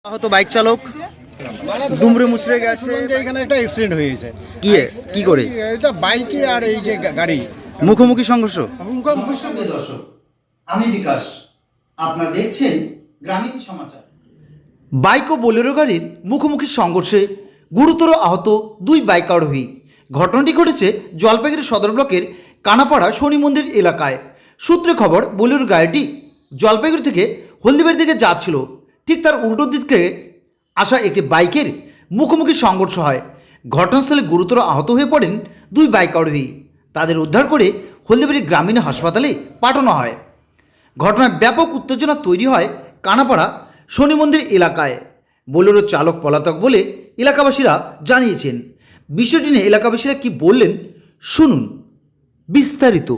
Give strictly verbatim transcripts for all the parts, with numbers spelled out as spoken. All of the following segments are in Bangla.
আহত বাইক চালক দুমড়ে মুচড়ে গেছে। এখানে একটা অ্যাক্সিডেন্ট হয়েছে। কি কি করে? এটা বাইকে আর এই যে গাড়ি মুখোমুখি সংঘর্ষ। নমস্কার দর্শক, আমি বিকাশ, আপনারা দেখছেন গ্রামীণ সমাচার। বাইক ও বোলেরো গাড়ির মুখোমুখি সংঘর্ষে গুরুতর আহত দুই বাইক আরোহী। ঘটনাটি ঘটেছে জলপাইগুড়ি সদর ব্লকের কানাপাড়া শনি মন্দির এলাকায়। সূত্রে খবর, বোলেরো গাড়িটি জলপাইগুড়ি থেকে হলদিবাড়ির দিকে যাচ্ছিল। ঠিক তার উল্টো দিক থেকে আসা একটি বাইকের মুখোমুখি সংঘর্ষ হয়। ঘটনাস্থলে গুরুতর আহত হয়ে পড়েন দুই বাইক আরোহী। তাদের উদ্ধার করে হলদিবাড়ি গ্রামীণ হাসপাতালে পাঠানো হয়। ঘটনায় ব্যাপক উত্তেজনা তৈরি হয় কানাপাড়া শনি মন্দির এলাকায়। বোলেরো চালক পলাতক বলে এলাকাবাসীরা জানিয়েছেন। বিষয়টি নিয়ে এলাকাবাসীরা কি বললেন শুনুন বিস্তারিত।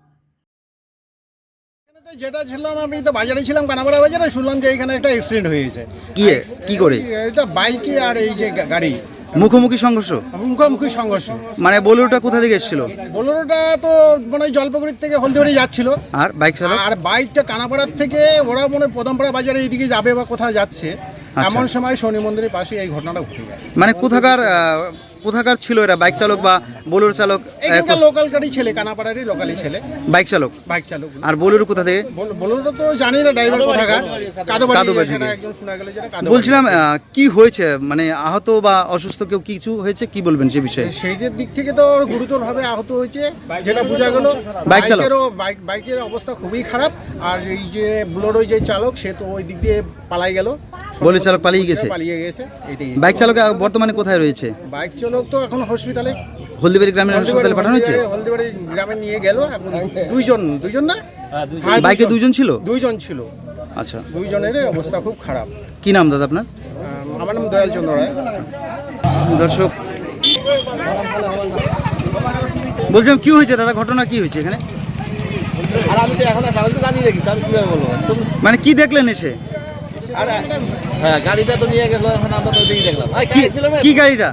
যেটা ছিলাম, আমি তো বাজারে ছিলাম, কানাপাড়া বাজারে, শুনলাম যে এখানে একটা অ্যাক্সিডেন্ট হয়েছে। কি কি করে? এটা বাইকে আর এই যে গাড়ি মুখোমুখি সংঘর্ষ। মুখোমুখি সংঘর্ষ মানে বোলেরোটা কোথা থেকে এসেছিল? বোলেরোটা তো মানে জলপাইগুড়ির থেকে হলদিবাড়ি যাচ্ছিল, আর বাইক চালক? আর বাইকটা কানাপাড়ার থেকে ওরা মনে প্রথমপাড়া বাজারে এইদিকে যাবে বা কোথাও যাচ্ছে, এমন সময় শনি মন্দিরের পাশে এই ঘটনাটা ঘটে যায়। মানে কোথাকার কোথাকার ছিল এরা? বাইক চালক বা বোলেরো চালক? এখানকার লোকাল গাড়ি ছেলে, কানাপাড়ারই লোকালি ছেলে বাইক চালক বাইক চালক আর বোলেরো কোথা থেকে? বোলেরো তো জানি না, ড্রাইভার কোথাকার, কাদোবাড়ি থেকে। বলছিলাম কি হয়েছে, মানে আহত বা অসুস্থ কেউ কিছু হয়েছে, কি বলবেন সে বিষয়ে? সেই দিক থেকে তো গুরুতরভাবে আহত হয়েছে, যেটা বোঝা গেল। বাইক চালক বাইক বাইকের অবস্থা খুবই খারাপ, আর এই যে বোলেরো যে চালক সে তো ওই দিক দিয়ে পালাই গেল। বোলেরো চালক পালিয়ে গেছে পালিয়ে গেছে এটাই। বাইক চালক বর্তমানে কোথায় রয়েছে? বাইক চালক তো এখন হসপিটালে, হলদিবাড়ি গ্রামীণ হাসপাতালে পাঠানো হয়েছে। হলদিবাড়ি গ্রামে নিয়ে গেল। এখন দুইজন দুইজন না বাইকে দুইজন ছিল? দুইজন ছিল। আচ্ছা, দুইজনের অবস্থা খুব খারাপ। কি নাম দাদা আপনার? আমার নাম দয়াল চন্দ্র রায়। দর্শক বলছিলাম কি হয়েছে দাদা, ঘটনা কি হয়েছে এখানে? আর আমি তো এখন জানি দেখি, আমি কিভাবে বলবো? মানে কি দেখলেন এসে? হ্যাঁ, গাড়িটা তো নিয়ে গেল, এখন আমরা তো দেখলাম। কি গাড়িটা?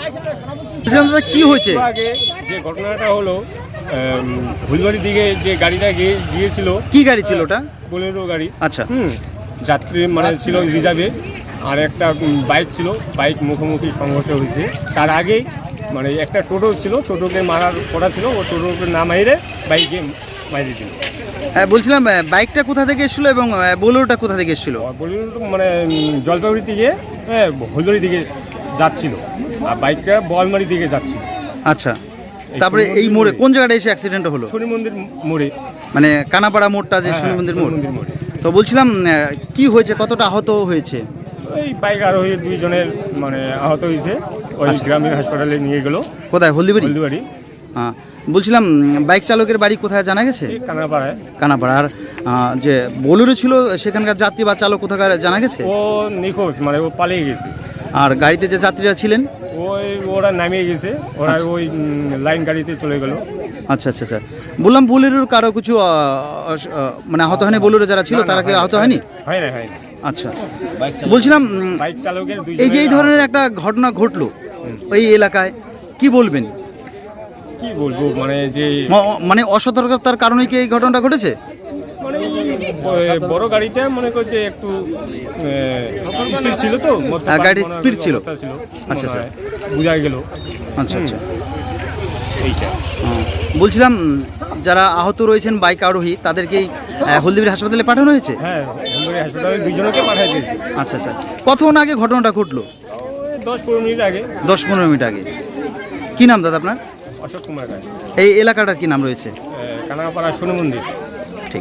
দাদা কি হয়েছে? আগে যে ঘটনাটা হলো, ফুলবাড়ির দিকে যে গাড়িটা গিয়ে গিয়েছিল। কি গাড়ি ছিল ওটা? বোলেরো গাড়ি। আচ্ছা, হুম যাত্রী মানে ছিল রিজার্ভে, আর একটা বাইক ছিল। বাইক মুখোমুখি সংঘর্ষ হয়েছে। তার আগেই মানে একটা টোটো ছিল, টোটোকে মারার করা ছিল, ও টোটোকে না মাইরে বাইকে মাইরে দিল। বলছিলাম বাইকটা কোথা থেকে এসেছিল এবং বোলেরোটা কোথা থেকে এসেছিল? বোলেরো মানে জলপাইগুড়ি থেকে ফুলবাড়ির দিকে যাচ্ছিল, আর বাইকটা বোয়ালমারি দিকে যাচ্ছিল। আচ্ছা, তারপরে এই মোড়ে কোন জায়গাটা এসে অ্যাক্সিডেন্ট হলো? শনি মন্দির মোড়ে, মানে কানাপাড়া মোড়টা যে শনি মন্দির মোড়। তো বলছিলাম কি হয়েছে, কতটা আহত হয়েছে? এই বাইক আরোহী দুইজনের মানে আহত হয়েছে, ওই গ্রামীণ হাসপাতালে নিয়ে গেল। কোথায়? হলদিবাড়ি। হলদিবাড়ি। হ্যাঁ, বলছিলাম বাইক চালকের বাড়ি কোথায় জানা গেছে? কানাপাড়ায়। কানাপাড়া। আর যে বোলেরো ছিল সেখানকার যাত্রী বা চালক কোথাকার জানা গেছে? ও নিখোঁজ, মানে ও পালিয়ে গেছে। আর গাড়িতে যে যাত্রীরা ছিলেন? ওই ওরা নামিয়ে গেছে, ওরা ওই লাইন গাড়িতে চলে গেল। আচ্ছা আচ্ছা আচ্ছা বললাম বোলেরোর কারো কিছু মানে আহত হয়নি? বোলেরো যারা ছিল তারা কি আহত হয়নি? হয় না, হয় না। আচ্ছা, বলছিলাম বাইক চালকের এই যে এই ধরনের একটা ঘটনা ঘটলো ওই এলাকায়, কি বলবেন? কি বলবো, মানে যে মানে অসতর্কতার কারণে কি এই ঘটনাটা ঘটেছে? মানে বড় গাড়িটা মনে করছে একটু স্পিড ছিল, তো গাড়ির স্পিড ছিল। আচ্ছা আচ্ছা, বুঝা গেল। আচ্ছা আচ্ছা, এইটা বলছিলাম যারা আহত রয়েছেন বাইক আরোহী তাদেরকেই হলদিবাড়ি হাসপাতালে পাঠানো হয়েছে? হ্যাঁ, হলদিবাড়ি হাসপাতালে দুইজনকে পাঠিয়ে দিয়েছে। আচ্ছা আচ্ছা, কতক্ষণ আগে ঘটনাটা ঘটলো? দশ পনেরো মিনিট আগে। দশ পনেরো মিনিট আগে। কি নাম দাদা আপনার? অশোক কুমার রায়। এই এলাকাটার কি নাম রয়েছে? কানাপাড়া শনি মন্দির। ঠিক।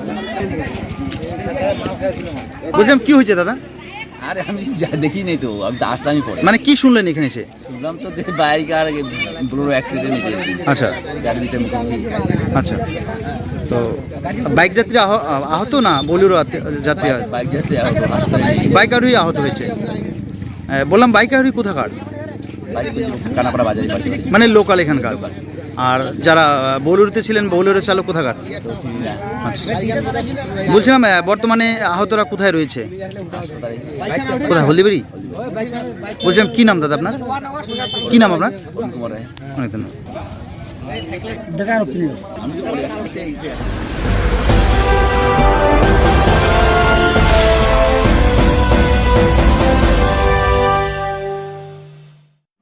বলছিলাম কি হয়েছে দাদা? আরে আমি দেখি নাই তো, আমি তো আসলামই পরে। মানে কি শুনলেন এখানে এসে? শুনলাম তো যে বাইক আর বোলেরো অ্যাক্সিডেন্ট হয়েছে। আচ্ছা, গাড়ি দুটো মুখোমুখি। আচ্ছা, তো বাইক যাত্রী আহত না বোলেরো যাত্রী? বাইক যাচ্ছে আহত, হাসপাতালে নিয়ে গেছে। বাইক আরোহী আহত হয়েছে। বললাম বাইক আরোহী কোথাকার? বাইক কানাপাড়া বাজারের পাশে। মানে লোকাল এখানকার। আর যারা বোলেরোতে ছিলেন বোলেরো চালক কোথাকার? আচ্ছা, বলছিলাম বর্তমানে আহতরা কোথায় রয়েছে? কোথায়? হলদিবাড়ি। বলছিলাম কি নাম দাদা আপনার? কি নাম আপনার? কুমার রায়। অনেক ধন্যবাদ।